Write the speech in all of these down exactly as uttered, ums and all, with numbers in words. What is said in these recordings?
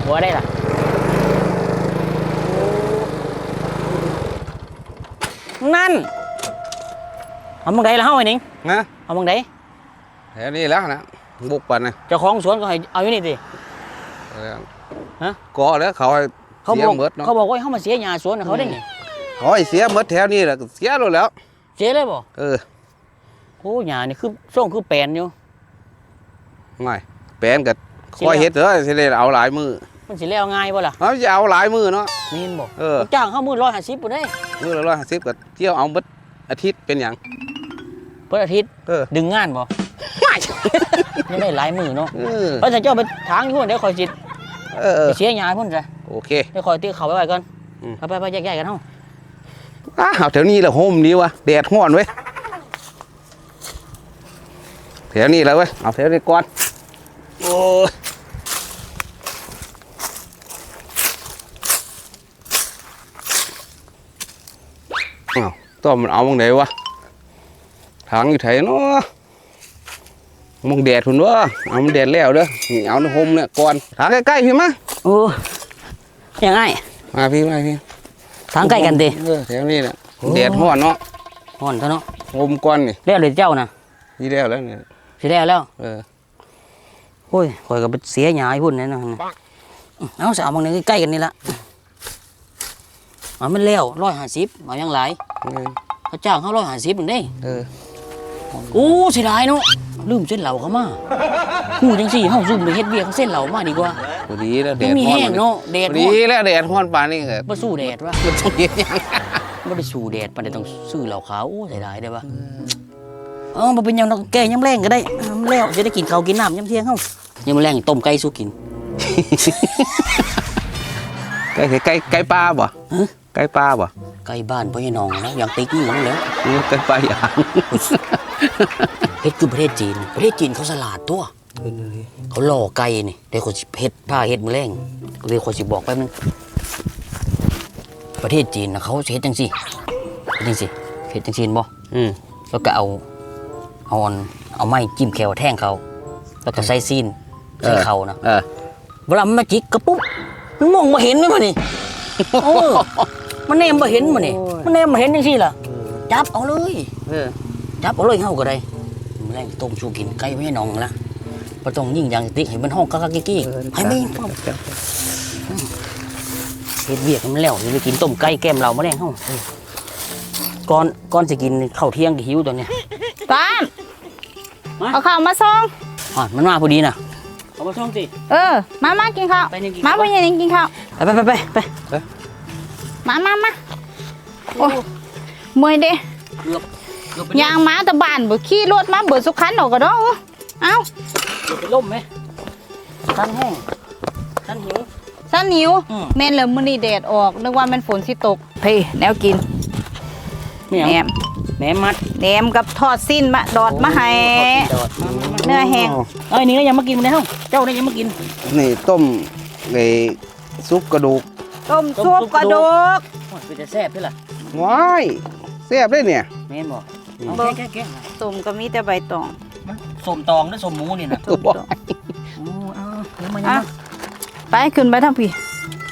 หัวได้ล่ะนั่นเอาบังไดละเฮาไอ้หนิงนะเอาบังไดแถวนี้แล้วนะบุกปันนะเจ้าของสวนก็ให้เอาอยู่นี่สิฮะก่อแล้วเขาเขาบอกเขาบอกว่าเขามาเสียหญ้าสวนเขาได้ไงเขาให้เสียหมดแถวนี้แหละเสียแล้วเสียเลยบ่เออโอ้หญ้านี่คือส่งคือแปลนอยู่ไม่แปลนกับคอยเฮ็ดเถอะสิได้เอาหลายมือมันสิแล้วง่ายบ่ล่ะเขาจะเอาหลายมือเนาะนี่บ่เออจ้างเขามือร้อยห้าสิบบ่ได้มือละร้อยห้าสิบกับเที่ยวเอาเบิดอาทิตย์เป็นอย่างเบิดอาทิตย์ดึงงานบ่ไม่ได้หลายมือเนาะเพราะถ้าเจ้าไปทางอยู่เดี๋ยวคอยจิตไปเสียหญ้าพุ่นจ้ะโอเคเดี๋ยวคอยตีเขาไว้ไว้ก่อนไปไปไปแยกๆกันเฮาอ้าวแถวนี้แหละโฮมนี้วะแดดห้อนเว้ยแถวนี้แล้วเว้ยเอาแถวนี้ก่อนโอ้อ้าวต้อมันเอาบังไหนวะทางอยู่ไถเนาะมองแดดหุ่นวะเอามันแดดแล้วเด้อนี่เอาในโฮมเนี่ยก่อนทางใกล้ๆพี่มาโอ้ยังไงมาพี่มาพี่ทางใกล้กันดิเออแถวนี้แหละแดดห้อนเนาะห้อนเท่าเนาะโฮมก่อนนี่แล้วเลยเจ้านะพี่แล้วแล้วเนี่ยพี่แล้วแล้วเออโอ้ยคอยกับเสียหญ้าพุ่นนี่นะเอาสาวบางนึงใกล้กันนี่ละมันแล้วร้อยห้าสิบมายังหลายเขาจ้างเขาร้อยห้าสิบหนึ่งได้เออโอ้เสียดายเนาะลืมเส้นเหล่าเขามาหูจังสี่ห้องซุ่มไปเฮ็ดเบียร์เขาเส้นเหล่ามาดีกว่าพอดีแล้วแดดมีแห้งเนาะแดดดีแล้วแดดห้อนป่านนี่เหรอบ่สู้แดดวะมันต้องเย็นยังบ่ได้สู้แดดปานใดต้องซื้อเหล่าขาวโอ้เสียดายได้ปะเออบ่เป็นหยังแก่ยำแรงก็ได้แล้วจะได้กินข้าวกินน้ำยำเที่ยงเฮายำแรงต้มไก่สู้กินไก่ไก่ไก่ปลาบ่ไก่ปลาบ่ไก่บ้านพ่อใหญ่น้องนะอย่างติ๊กนี่มันแล้วไก่ปลาอย่างเฮ็ดคือประเทศจีนประเทศจีนเขาสลาดตัวเขาหล่อไก่นี่เดี๋ยวเขาสิเฮ็ดผ้าเฮ็ดมือแรงเดี๋ยวเขาสิบอกแป๊บนึงประเทศจีนนะเขาเฮ็ดจังซี่เฮ็ดจังซี่เฮ็ดจังซี่บ่อืมแล้วก็เอาเอาเอาไม้จิ้มแขวแทงเขาแล้วก็ใส่ซีนใส่เขานะเวลามันมาจิกกระปุ๊บมันมองมาเห็นไหมมันนี่โอ้มันแนมมาเห็นมันนี่มันแนมมาเห็นจังซี่ล่ะจับเอาเลยจับเอาเลยเฮาก็ได้แรงต้มชูกินไก่ไม่ให้น้องละบ่ต้องยิ่งอย่างติ๊กให้มันห้องกักๆกิ๊กๆให้มันเฮ็ดเวียกมันแล้วสิไปกินต้มไก่แก้มเรามาแรงเฮาก่อนก่อนสิกินข้าวเที่ยงก็หิวตอนนี้ตามเอาข้าวมาส่งอ๋อมันมาพอดีน่ะเอามาส่งสิเออมามากินข้าวมาพ่อใหญ่กินข้าวไปไปไปไปมามามาโอ้เมื่อยเด้ยางม้าตะบานบ่ขี่รถมาเบิดสุขันออกก็ดอกเอ้าเป็นล่มไหมสันแห้งสันหิวสันหิวแม่นเลยมื้อนี้แดดออกนึกว่ามันฝนสิตกเพ่แนวกินแหนมแหนมมัดแหนมกับทอดสิ้นมาดอดมาให้เนื้อแห้งเอ้ยนี่ก็ยังมากินมาแล้วเจ้าได้ยังมากินนี่ต้มไอ้ซุปกระดูกต้มซุปกระดูกมันจะแซ่บด้วยล่ะว้ายแซ่บได้เนี่ยแม่นบอกแก่ๆส้มก็มีแต่ใบตองส้มตองหรือส้มหมูนี่นะส้มตองโอ้เอาเดี๋ยวมายังไปขึ้นไปทางพี่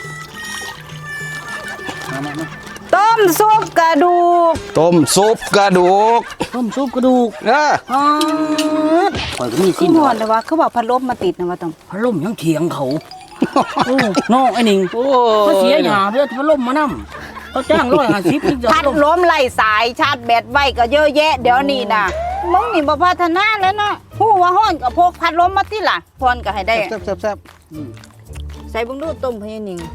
มามาต้มซุปกระดูกต้มซุปกระดูกต้มซุปกระดูกเอออ๋อข่อยก็มีสิ้นหอนเลยว่าเขาบอกพัดลมมาติดนะว่าต้องพัดลมยังเถียงเขาโอ้น้องไอ้หนิงเขาเสียหยาเพื่อพัดลมมานั่มเขาจ้างร้อยห้าสิบพัดลมไล่สายชาร์จแบตไว้ก็เยอะแยะเดี๋ยวนี้นะมึงนี่บ่พัฒนาแล้วเนาะผู้ว่าฮ้อนกับพกพัดลมมาติล่ะพรก็ให้ได้แซ่บแซ่บแซ่บใส่บุ้งดูต้มพะยานิง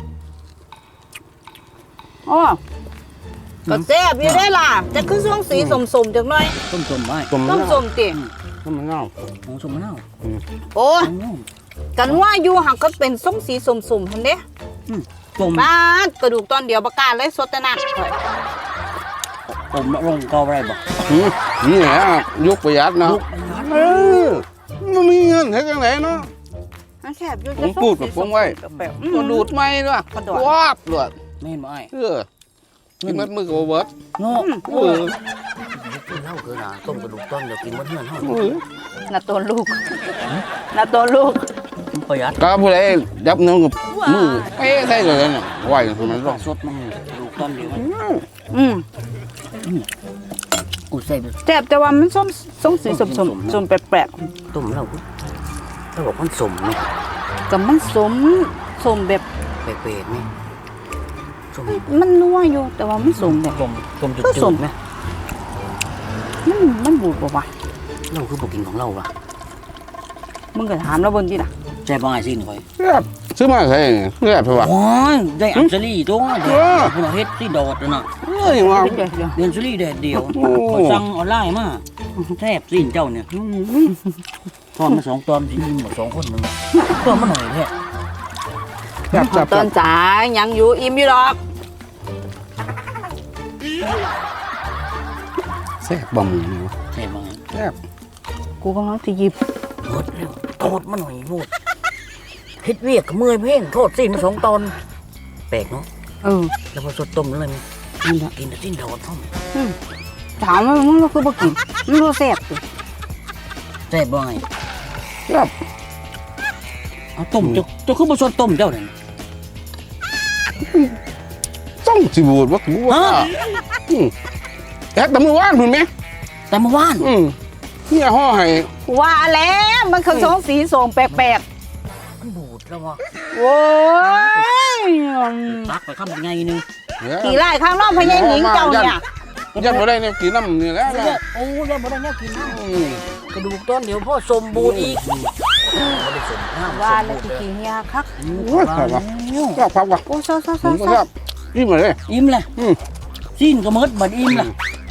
อ๋อก็แซ่บอยู่ได้ล่ะจะคือช่วงสีสมๆจังหน่อยต้มสมไว้ต้มสมติต้มมะนาวโอ้สมมะนาวโอ้กันว่าอยู่หักก็เป็นส้มสีสมๆทันเด้บ้านกระดูกตอนเดียวประกาศเลยสดแต่นักผมลงก็อะไรบอกนี่แหละยุคประหยัดเนาะเออมันมีเงินให้จังไหนเนาะแซ่บอยู่ผมพูดกับผมไว้กระดูดไม่ด้วยวาบเลยไม่เห็นไหมเออกินมัดมือกับเบิร์ดโง่เออเล่าเกินอ่ะต้มกระดูกต้นเดี๋ยวกินมัดเหือนเท่าน่ะตัวลูกน่ะตัวลูกประหยัดก็ผู้ใดยับน้องกับมือเอ้ใส่เลยเนี่ยไหวมันร้องสดมันดูต้นเดียวมันอืมกูใส่ไปแซ่บแต่ว่ามันส้มส้มสีสมสมสมแปลกต้มแล้วถ้าบอกมันสมไหมๆกับมันสมสมแบบเปรย์ๆไหมสมมันนัวอยู่แต่ว่ามันสมแบบสมสมจุก็สมดๆไหมมันมันบูดบ่วะเราคือบอกกินของเราล่ะมึงก็ถามแล้วเบนที่น่ะใช่บ้างไอ้สิหน่อยครับซื้อมาใส่เนี่ยเรียบไปวะโอ้ยได้อัญชลีตัวเดียวพวกเฮ็ดที่ดอดน่ะเอ้ยว่าเดี๋ยวเดี๋ยวเรียนชลีแดดเดียวโอ้เขาสั่งออนไลน์มาแทบสิ้นเจ้าเนี่ยทอนมาสองตอนสิยิ้มหมดสองคนมึงตอนมาหน่อยแท้จับจับตอนจ๋ายังอยู่อิ่มอยู่หรอกแซ่บบ่หมูนี่วะใช่บ้างแซ่บกูกำลังจะหยิบหมดแล้วโทษมาหน่อยพูดเฮ็ดเวียกกับเมื่อยเพ่งโทษสิ้นมาสองตอนแปลกเนาะเออแล้วพอสดต้มแล้วมั้ยนั่นแหละกินแต่สิ้นดอดท่อมอืมถามว่ามึงก็คือบ่กินมันบ่แซ่บสิแซ่บบ่ไงแซ่บเอาต้มเจ้าเจ้าคือบ่สดต้มเจ้าเนี่ยต้องสิบูดวะกูว่าฮะอืมแอ๊กแต่มือว่านคุณไหมแต่เมื่อวานอืมเนี่ยห่อให้ว่าแล้วมันคือสองสีสมแปลกมันบูดแล้ววะๆโอ้ยตักไปข้ามยังไงนึงเนี่ยกี่ไร่ข้างนอกพญาหญิงเจ้าเนี่ยยัดบ่ได้เนี่ยกินน้ำนี่แหล้วเยอะโอ้ยยังบ่ได้เนี่ยกินนะอืมกระดูกต้นเดี๋ยวพ่อสมบูรณ์อีกบ่ได้สมน้ำว่าแล้วกี่เฮียคักโอ้ยแซ่บวะแซ่บครับวะโอ้ซอซอซผอมก็ซแซ่อบนี่มาเลยอิ่มเลยอืมสิ้นก็หมดบัดอิ่มละ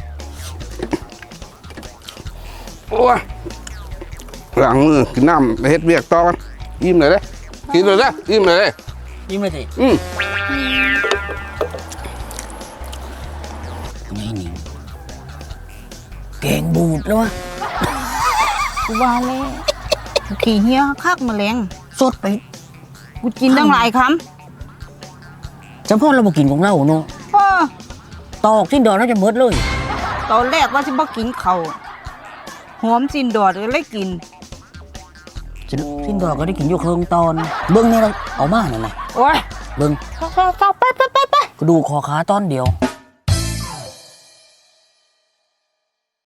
โอ้ยหลังมือกินน้ำไปเฮ็ดเวียกต่อกันอิ่มเลยเด้อกินเลยเด้ออิ่มเลยเด้ออิ่มเลยสิอืมไงนี่แกงบูดแล้ววะกูว่าแล้วกี่เฮียคักแมลงสดไปกูกินตั้งหลายคจำพ่อเราบ่กินของเราเนาะำเออตอกสิ้นดอกแล้วจะหมดเลยตอนแรกว่าสิบ่กินเขาวหอมจินดอดก็เลยกินสิ้นดอกก็ได้กินอยู่เครื่องตอน เบิ้งนี่เราเอามาหน่อยนะโอ้ยเบิ้งไปไปไปไปไปกระดูกคอขาตอนเดียว